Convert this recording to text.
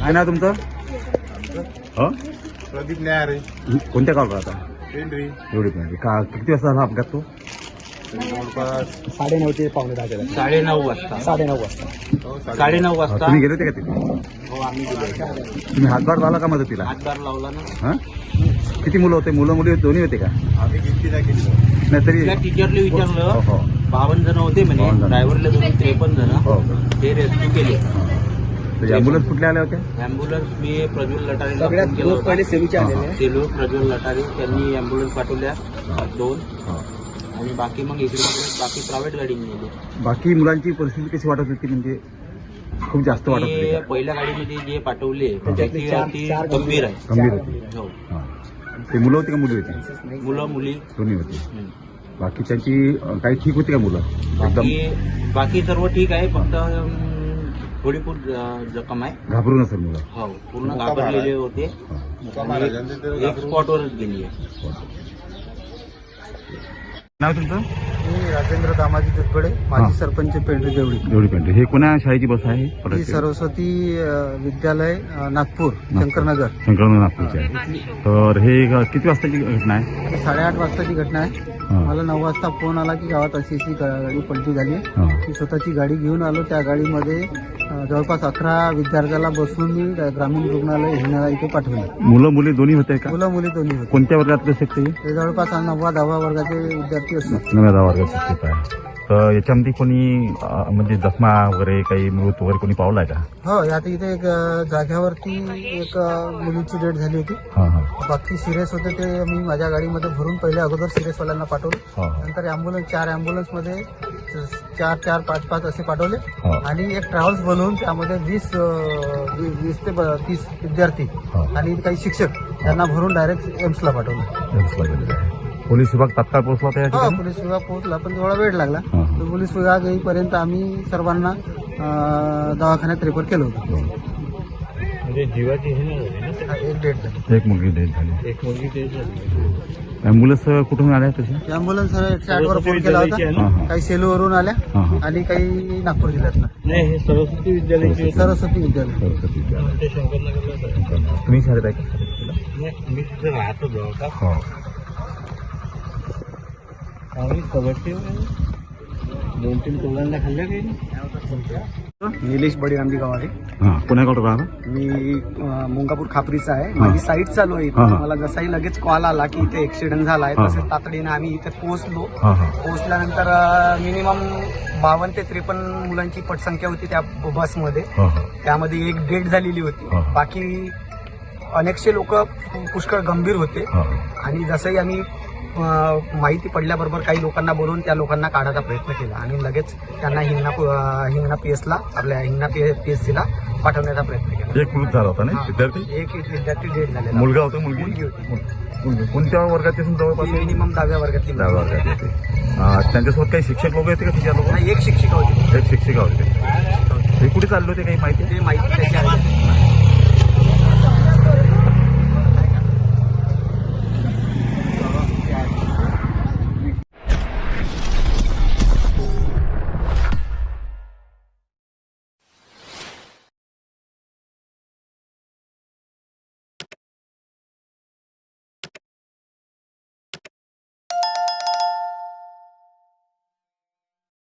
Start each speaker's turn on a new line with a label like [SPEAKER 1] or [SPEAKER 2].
[SPEAKER 1] काय नाव तुमचं? हो
[SPEAKER 2] प्रदीप न्यारे.
[SPEAKER 1] कोणत्या गावात राहता?
[SPEAKER 2] पेंढरी.
[SPEAKER 1] एवढी पण का किती वाजता झाला अपघात तो?
[SPEAKER 2] जवळपास
[SPEAKER 3] 9:30 ते 9:45.
[SPEAKER 4] 9:30 वाजता.
[SPEAKER 3] 9:30 वाजता.
[SPEAKER 4] 9:30 वाजता.
[SPEAKER 1] तुम्ही गेले होते का तिथे?
[SPEAKER 4] हो आम्ही गेलो.
[SPEAKER 1] तुम्ही हातभार लावला का मदतीला?
[SPEAKER 4] हातभार लावला ना.
[SPEAKER 1] हा किती मुलं होते? मुलं मुली दोन्ही होते का?
[SPEAKER 2] आम्ही गिनती नाही केली.
[SPEAKER 1] नाही तरी
[SPEAKER 4] त्या टीचरला विचारलं,
[SPEAKER 1] हो
[SPEAKER 4] 52 जण होते म्हणे.
[SPEAKER 1] 52 जण.
[SPEAKER 4] ड्रायव्हरला धरून 53 जण.
[SPEAKER 1] हो
[SPEAKER 4] ते रेस्क्यू केले.
[SPEAKER 1] ॲम्ब्युलन्स कुठल्या आल्या होत्या?
[SPEAKER 4] अँब्युलन्स मी प्रज्वल लटारेला
[SPEAKER 3] सगळ्यात
[SPEAKER 4] फोन केला
[SPEAKER 3] दोन पहिले
[SPEAKER 4] होता.
[SPEAKER 3] सेलूचे आलेले आहे.
[SPEAKER 4] सेलू प्रज्वल लटारे त्यांनी अँब्युलन्स पाठवल्या 2
[SPEAKER 1] हा.
[SPEAKER 4] आणि बाकी मग इकडे बाकी प्रायव्हेट गाडीने नेले.
[SPEAKER 1] बाकी मुलांची परिस्थिती कशी वाटत होती? म्हणजे खूप जास्त वाटत होती
[SPEAKER 4] ते
[SPEAKER 1] का?
[SPEAKER 4] पहिल्या गाडीमध्ये जे पाठवले
[SPEAKER 3] त्याच्यातले
[SPEAKER 4] त्याची
[SPEAKER 3] चार
[SPEAKER 4] गंभीर आहे.
[SPEAKER 1] गंभीर होती.
[SPEAKER 4] हो.
[SPEAKER 1] हा. ते मुलं होती का मुली होती?
[SPEAKER 4] मुलं मुली.
[SPEAKER 1] दोन्ही होती.
[SPEAKER 4] हं.
[SPEAKER 1] बाकी त्यांची काही ठीक होती का मुलं? एकदम
[SPEAKER 4] बाकी सर्व ठीक आहे, फक्त थोडी खूप जखम आहे.
[SPEAKER 1] घाबरून असेल मुलं?
[SPEAKER 4] हो पूर्ण घाबरलेले होते. आणि एक स्पॉटवरच गेली आहे.
[SPEAKER 1] नाव तुमचं?
[SPEAKER 3] मी राजेंद्र दामाजी दुधगडे, माजी सरपंच पेंढरी देवळी.
[SPEAKER 1] एवढी पेंढरी. हे कोणा शाळेची बस आहे?
[SPEAKER 3] ही सरस्वती विद्यालय नागपूर शंकरनगर.
[SPEAKER 1] शंकरनगर नागपूरची आहे. तर हे किती वाजताची घटना आहे?
[SPEAKER 3] 8:30 वाजताची घटना आहे.
[SPEAKER 1] हा.
[SPEAKER 3] मला 9 वाजता फोन आला की गावात अशी गाडी पलटी झाली आहे.
[SPEAKER 1] हा.
[SPEAKER 3] मी स्वतःची गाडी घेऊन आलो. त्या गाडीमध्ये जवळपास 11 विद्यार्थ्याला बसून मी ग्रामीण रुग्णालय हिंगणा इथे पाठवले.
[SPEAKER 1] मुलं मुली दोन्ही होते का?
[SPEAKER 3] मुलं मुली दोन्ही होते.
[SPEAKER 1] कोणत्या वर्गातले शकते?
[SPEAKER 3] ते जवळपास 9वा-10वा वर्गाचे विद्यार्थी असतात.
[SPEAKER 1] 9व्या वर्गात शिक्षक आहे. तर याच्यामध्ये कोणी म्हणजे जखमा वगैरे काही मृत वगैरे कोणी पावलाय का?
[SPEAKER 3] हो आता इथे एक जाग्यावरती एक मुलीची डेथ झाली होती.
[SPEAKER 1] हा हा
[SPEAKER 3] बाकी सिरियस होते ते मी माझ्या गाडीमध्ये भरून पहिले अगोदर सिरियसवाल्यांना पाठवलं.
[SPEAKER 1] हा
[SPEAKER 3] नंतर ॲम्ब्युलन्स 4 ॲम्ब्युलन्समध्ये 4 5 असे पाठवले.
[SPEAKER 1] हा.
[SPEAKER 3] आणि एक ट्रॅव्हल्स बोलवून त्यामध्ये 20 ते 30 विद्यार्थी
[SPEAKER 1] हा.
[SPEAKER 3] आणि काही शिक्षक यांना भरून डायरेक्ट एम्सला पाठवलं.
[SPEAKER 1] पोलीस विभाग तात्काळ पोहोचला होता या
[SPEAKER 3] हो
[SPEAKER 1] ठिकाणी?
[SPEAKER 3] पोलीस विभाग पोहोचला पण थोडा वेळ लागला.
[SPEAKER 1] हा, हा.
[SPEAKER 3] तर पोलीस विभाग येईपर्यंत आम्ही सर्वांना दवाखान्यात रेफर केलं होतं.
[SPEAKER 4] म्हणजे जीवाची हे नाही झाली ना.
[SPEAKER 3] एक डेट झाली.
[SPEAKER 1] एक मुलगी डेथ झाली.
[SPEAKER 4] एक मुलगी ते झाली.
[SPEAKER 1] ॲम्ब्युलन्स कुठून आल्या तशी?
[SPEAKER 3] ॲम्ब्युलन्स 108 वर फोन केला होता.
[SPEAKER 1] हा, हा.
[SPEAKER 3] काही सेलूवरून आल्या
[SPEAKER 1] हा, हा.
[SPEAKER 3] आणि काही नागपूर जिल्ह्यातनं.
[SPEAKER 4] नाही हे सरस्वती विद्यालयाची.
[SPEAKER 3] सरस्वती विद्यालय.
[SPEAKER 1] सरस्वती विद्यालय.
[SPEAKER 4] ते शंकरनगरला.
[SPEAKER 1] तुम्ही शाळेत आहे का?
[SPEAKER 4] नाही मी तिथे राहतो जवळपास.
[SPEAKER 1] हो.
[SPEAKER 4] आम्ही कबड्डी 2-3 टोलांना खाल्ल्या काही.
[SPEAKER 3] निलेश बडीरामजी गावाडे.
[SPEAKER 1] हां पुण्याकडे राहता?
[SPEAKER 3] मी मुंगापूर खापरीचा आहे.
[SPEAKER 1] हा.
[SPEAKER 3] माझी साईट चालू आहे
[SPEAKER 1] हा,
[SPEAKER 3] इथे.
[SPEAKER 1] हा.
[SPEAKER 3] मला जसाही लगेच कॉल आला की इथे ऍक्सिडेंट झाला आहे
[SPEAKER 1] हा, हा.
[SPEAKER 3] तसेच तातडीने आम्ही इथे पोहोचलो.
[SPEAKER 1] हां हां
[SPEAKER 3] पोहोचल्यानंतर मिनिमम 52 ते 53 मुलांची पटसंख्या होती त्या बसमध्ये.
[SPEAKER 1] हां हां
[SPEAKER 3] त्यामध्ये एक डेथ झालेली होती.
[SPEAKER 1] हा.
[SPEAKER 3] बाकी अनेकशे लोक पुष्कळ गंभीर होते.
[SPEAKER 1] हां
[SPEAKER 3] आणि जसंही आम्ही माहिती पडल्याबरोबर काही लोकांना बोलवून त्या लोकांना काढायचा प्रयत्न केला आणि लगेच त्यांना हिंगणा पीएसला आपल्या हिंगणा पीएससीला पाठवण्याचा प्रयत्न केला.
[SPEAKER 1] एक मृत झाला होता ना
[SPEAKER 3] हा.
[SPEAKER 1] विद्यार्थी?
[SPEAKER 3] एक विद्यार्थी डेथ झालेला.
[SPEAKER 1] मुलगा होता मुलगी?
[SPEAKER 3] मुलगी होती.
[SPEAKER 1] मुलगी. कोणत्या वर्गात असून जवळपास?
[SPEAKER 3] मिनिमम 10व्या वर्गातली.
[SPEAKER 1] 10व्या वर्गात येते. त्यांच्यासोबत काही शिक्षक लोक येते का तिच्या लोक?
[SPEAKER 3] नाही, एक शिक्षिका होती.
[SPEAKER 1] एक शिक्षिका होते. हे कुठे चालले होते काही माहिती?
[SPEAKER 3] ते माहिती त्याची आहे.